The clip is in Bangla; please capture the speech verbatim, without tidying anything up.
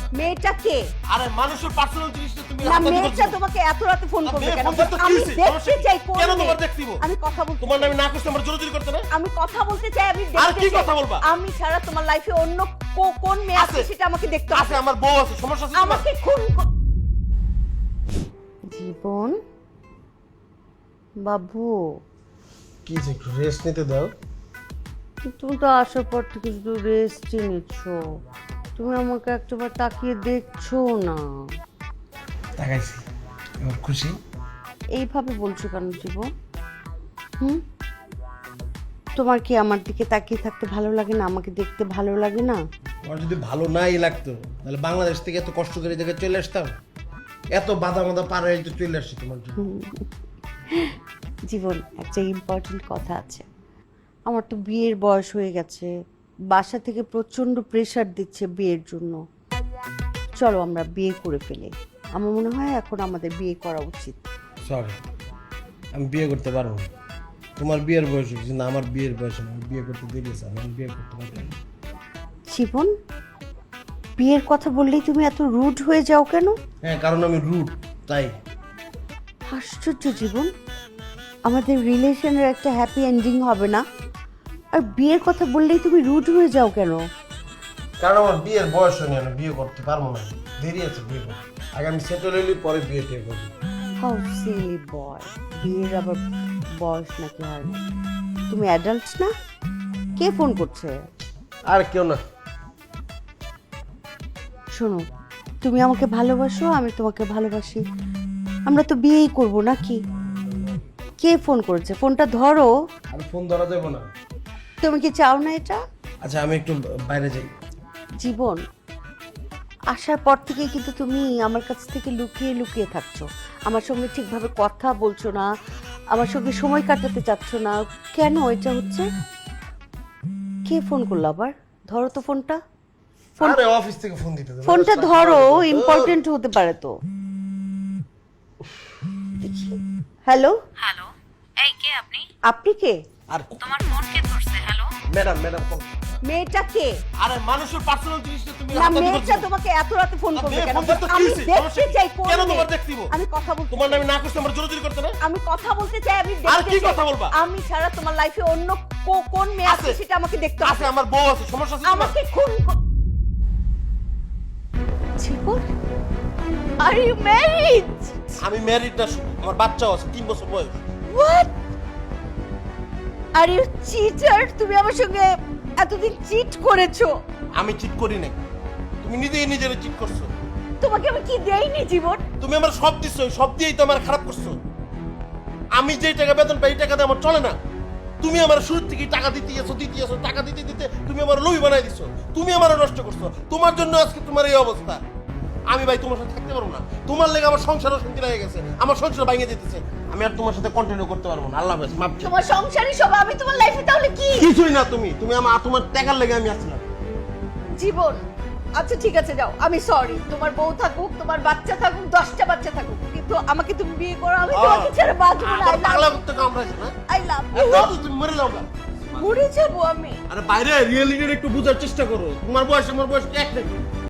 মেয়েটা কে? আরে মানুষের পার্সোনাল জিনিসটা তুমি না, মেয়েটা তোমাকে এত রাতে ফোন করবে কেন? আমি দেখতে চাই কোন কেন মেয়ে? তোমার দেখতে দিব? আমি কথা বলতে তোমার নামে না করতে আমার জোরাজুরি করতে না? আমি কথা বলতে চাই, আমি আর দেখতে কি চাই। কথা বলবা? আমি ছাড়া তোমার লাইফে অন্য কো- কোন মেয়ে আছে আছে। সেটা আমাকে দেখতে আছে, হবে। আমার বউ আছে, সমস্যা আছে তোমার? আমাকে খুন ক- জীবন বাবু, কি যে একটু রেস্ট নিতে দাও। তুমি তো আসার পর থেকে শুধু রেস্টই নিচ্ছ, তুমি আমাকে একটাবার তাকিয়ে দেখছো না। তাকাইছি, এবার খুশি? এইভাবে বলছো কেন জীবন? হুম, তোমার কি আমার দিকে তাকিয়ে থাকতে ভালো লাগে না? আমাকে দেখতে ভালো লাগে না? আমার যদি ভালো নাই লাগতো তাহলে বাংলাদেশ থেকে এত কষ্ট করে এই জায়গায় চলে আসতাম? এত বাধা বাধা পার হয়ে তো চলে আসছি তোমার জন্য। জীবন, একটা ইম্পর্টেন্ট কথা আছে। আমার তো বিয়ের বয়স হয়ে গেছে, বাসা থেকে প্রচন্ড প্রেশার দিচ্ছে বিয়ের জন্য। চলো আমরা বিয়ে করে ফেলি। আমার মনে হয় এখন আমাদের বিয়ে করা উচিত। সরি, আমি বিয়ে করতে পারবো না। তোমার বিয়ের বয়স হচ্ছে না, আমার বিয়ের বয়স না। আমি বিয়ে করতে দেরি আছে, আমি বিয়ে করতে পারবো না। জীবন, বিয়ের কথা বললেই তুমি এত রুড হয়ে যাও কেন? হ্যাঁ, কারণ আমি রুট, তাই। আশ্চর্য জীবন, আমাদের রিলেশনের একটা হ্যাপি এন্ডিং হবে না, আর বিয়ের কথা বললেই তুমি রুড হয়ে যাও কেন? কারণ আমার বিয়ের বয়স হয়নি, আমি বিয়ে করতে পারবো না। দেরি আছে বিয়ে করতে। আগে আমি সেটেল হইলে পরে বিয়ে টিয়ে করবো। হাউ সিলি বয়, বিয়ের আবার বয়স নাকি হয় না? তুমি অ্যাডাল্ট না? কে ফোন করছে? আর কেউ না। শোনো, তুমি আমাকে ভালোবাসো, আমি তোমাকে ভালোবাসি, আমরা তো বিয়েই করবো নাকি? কে ফোন করেছে? ফোনটা ধরো। আর ফোন ধরা যাবো না। তুমি কি চাও না এটা? আচ্ছা, আমি একটু বাইরে যাই। জীবন, আসার পর থেকে কিন্তু তুমি আমার কাছ থেকে লুকিয়ে লুকিয়ে থাকছো, আমার সঙ্গে ঠিকভাবে কথা বলছো না, আমার সঙ্গে সময় কাটাতে চাচ্ছ না। কেন এটা হচ্ছে? কে ফোন করলো আবার? ধরো তো ফোনটা। ফোন- আরে অফিস থেকে ফোন দিতে দেবে। ফোনটা ধরো, ইম্পর্টেন্ট হতে পারে তো। হ্যালো, হ্যালো, এই কে আপনি? আপনি কে? আর তোমার ফোন কে ধরছে? Hello, madam madam phone. মেয়েটা কে? আরে মানুষের পার্সোনাল জিনিসটা তুমি না, মেয়েটা তোমাকে এত রাতে ফোন করবে কেন? আমি দেখতে চাই কোন কেন মেয়ে? তোমার দেখতে দিব? আমি কথা বলতে তোমার নামে না করতে আমার জোরাজুরি করতে না? আমি কথা বলতে চাই, আমি আর দেখতে কি চাই। কথা বলবা? আমি ছাড়া তোমার লাইফে অন্য কো- কোন মেয়ে আছে আছে। সেটা আমাকে দেখতে আছে, হবে। আমার বউ আছে, সমস্যা আছে তোমার? আমাকে খুন ক- জীবন, আর ইউ ম্যারিড? আমি ম্যারিড না, আমার বাচ্চাও আছে, তিন বছর বয়স। হোয়াট? আর ইউ চিটার, তুমি আমার সঙ্গে এতদিন চিট করেছো। আমি চিট করি নাই, তুমি নিজেই নিজের চিট করছো। তোমাকে আমি কি দেইনি জীবন? তুমি আমার সব দিচ্ছ, সব দিয়েই তো আমার খারাপ করছো। আমি যেই টাকা বেতন পাই এই টাকা দিয়ে আমার চলে না। তুমি আমার শুরু থেকে টাকা দিতে গেছো দিতে গেছো টাকা দিতে দিতে তুমি আমার লোভী বানাই দিছো। তুমি আমার নষ্ট করছো, তোমার জন্য আজকে তোমার এই অবস্থা। আমি ভাই তোমার সাথে থাকতে পারবো না। তোমার লেগে আমার সংসার অশান্তি লেগে গেছে, আমার সংসার ভেঙে যেতেছে। আমি আর তোমার সাথে কন্টিনিউ করতে পারবো না। আল্লাহ হাফেজ, মাপ চাই। তোমার সংসারই সব, আমি তোমার লাইফে তাহলে কি? কিছুই না তুমি, তুমি আমার তোমার টাকার লেগে আমি আসছিলাম। জীবন, আচ্ছা ঠিক আছে যাও, আমি সরি। তোমার বউ থাকুক, তোমার বাচ্চা থাকুক, দশটা বাচ্চা থাকুক, কিন্তু আমাকে তুমি বিয়ে করো, আমি তোমাকে ছেড়ে বাঁচবো না। আমার পাগলা করতে কামড়াইছে না? আই লাভ আর ইউ। দাও তো, তুমি মরে যাও না। মরে যাবো আমি। আরে বাইরে রিয়েলিটির একটু বোঝার চেষ্টা করো। তোমার বয়স আমার বয়স এক নাকি?